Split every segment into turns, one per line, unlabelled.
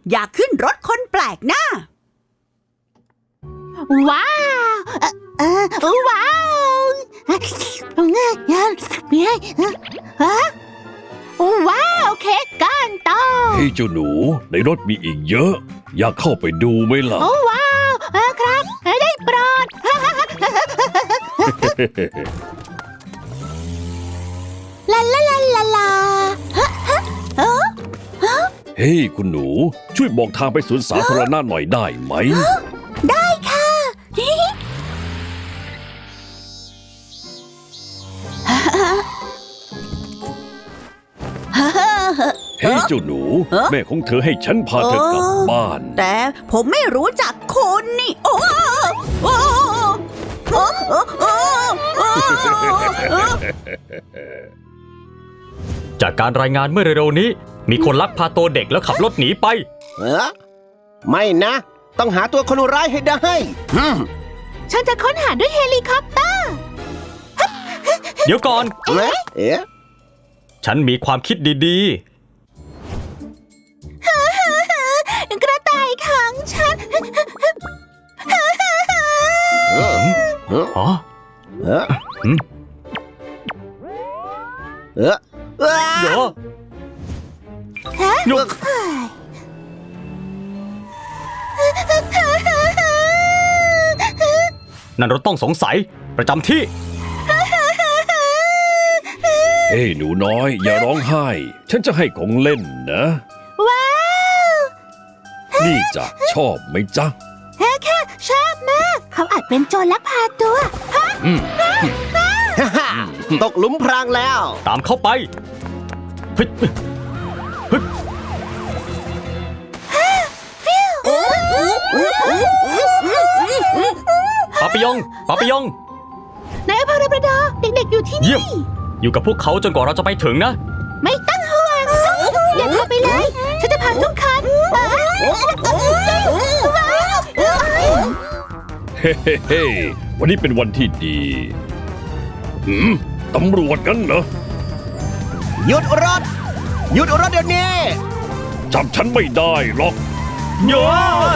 อยากขึ้นรถคนแปลกหน้า
ว้าวว้าวว้าวเค้กก้อนโต
เฮ้ยเจ้าหนูในรถมีอีกเยอะ อยากเข้าไปดูไหมล่ะ
โอ้ว้าวครับได้โปรดลาลาลาลาลา
เฮ้ยคุณหนูช่วยบอกทางไปสวนสาธารณะหน่อยได้ไหม
ได้ค่ะ
เฮ้ยเจ้าหนูแม่ของเธอให้ฉันพาเธอกลับบ้าน
แต่ผมไม่รู้จักคุณนี่โอ้โอ้โอ้โอ้โอ้โอ้
จากการรายงานเมื่อเร็วๆนี้มีคนลักพาตัวเด็กแล้วขับรถหนีไป
ไม่นะ ต้องหาตัวคนร้ายให้ได้
ฉันจะค้นหาด้วยเฮลิคอปเตอร์
เดี๋ยวก่อน
เอ๊ะ
ฉันมีความคิดดี
กระต่ายขังฉัน
ๆอ๋อ
เอ๊ะเอ๊ะ
เดี๋ยวยุกนั่นรถต้องสงสัยประจำที่
เฮ้ยหนูน้อยอย่าร้องไห้ ฉันจะให้ของเล่นนะ
ว้าว
นี่จ้ะชอบไหมจ๊ะ
ค่ะชอบมาก เขาอาจเป็นโจรลักพาตัว
ตกหลุมพรางแล้ว
ตามเข้าไปเฮ้ยเฮ้ยปาปิยองปาปิยอง
นายอภรประดาเด็กๆอยู่ที่
เยี่ยม
นี่
อยู่กับพวกเขาจนกว่าเราจะไปถึงนะ
ไม่ต้องห่วงอย่าเข้าไปเลย ฉันจะพาทุกคัน
เฮ้เฮ้เฮ้วันนี้เป็นวันที่ดีตำรวจกันเหรอ
หยุดรถ หยุดรถเดี๋ยวนี้
จับฉันไม่ได้หรอก
เยอะ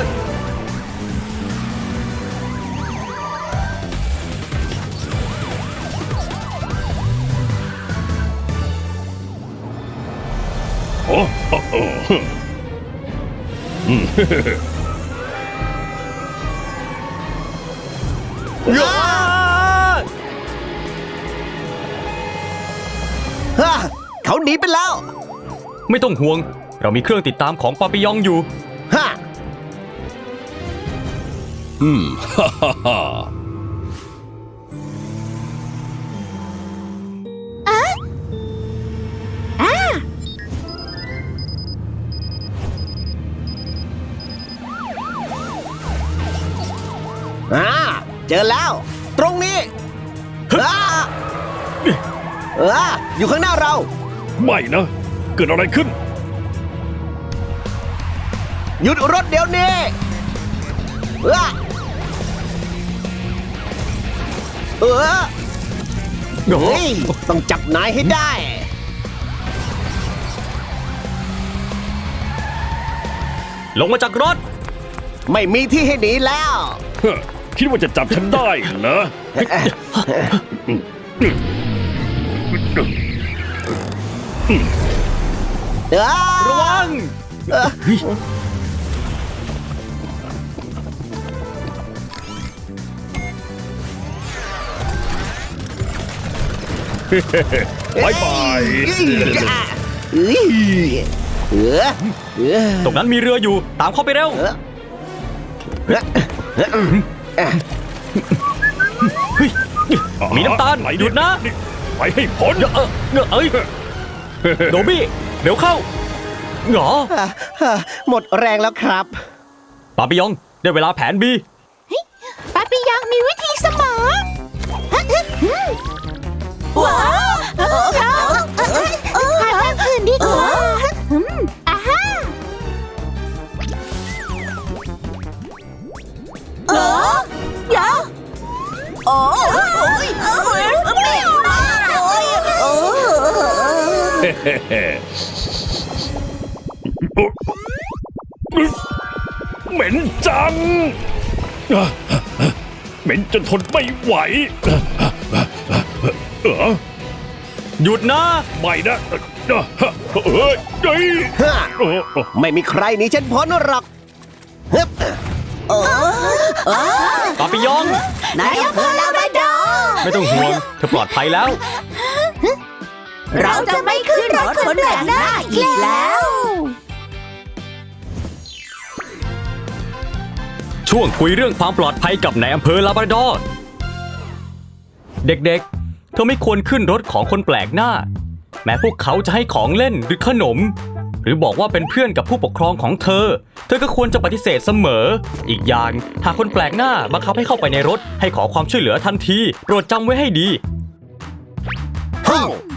โอ้โอ้
เยอะ
เขาหนีไปแล้ว
ไม่ต้องห่วง เรามีเครื่องติดตามของปาปิยองอยู่
ฮ่า
ฮ่าฮ่าฮ่า
เจอแล้ว ตรงนี้อยู่ข้างหน้าเรา
ไม่นะ เกิดอะไรขึ้น
หยุดรถเดี๋ยวนี้เฮ้ยต้องจับนายให้ได้
ลงมาจากรถ
ไม่มีที่ให้หนีแล้ว
คิดว่าจะจับฉันได้เหรอ
ระวัง
บายบาย
ตรงนั้นมีเรืออยู่ ตามเข้าไปเร็ว เฮ้ย มีน้ำตาล หยุดนะ
ไปให้พ้น
เอ้ย โดบี้ เร็วเข้าเหรอ
หมดแรงแล้วครับ
ปาปิยอง ได้เวลาแผน B
ปาปิยังมีวิธีเสมอว้าวหาทางอื่นดีกว่าอาฮ่า
อย่าโอ้ยเปรี้ยวมากเลย
เหม็นจัง เหม็นจนทนไม่ไหว
หยุดนะ
ไม่นะเฮ้ย
ฮะไม่มีใครหนีฉันพ้นหรอกฮึบ
ปาปิยอง
นายอำเภอลาบราดอร์
ไม่ต้องห่วง เธอปลอดภัยแล้ว
เราจะไม่ขึ้นรถคนแปลกหน้าอีกแล้ว
ช่วงคุยเรื่องความปลอดภัยกับนายอำเภอลาบราดอร์ เด็กๆ เธอไม่ควรขึ้นรถของคนแปลกหน้า แม้พวกเขาจะให้ของเล่นหรือขนม หรือบอกว่าเป็นเพื่อนกับผู้ปกครองของเธอ เธอก็ควรจะปฏิเสธเสมอ อีกอย่างหากคนแปลกหน้าบังคับให้เข้าไปในรถให้ขอความช่วยเหลือทันที โปรดจำไว้ให้ดี
เฮ้ย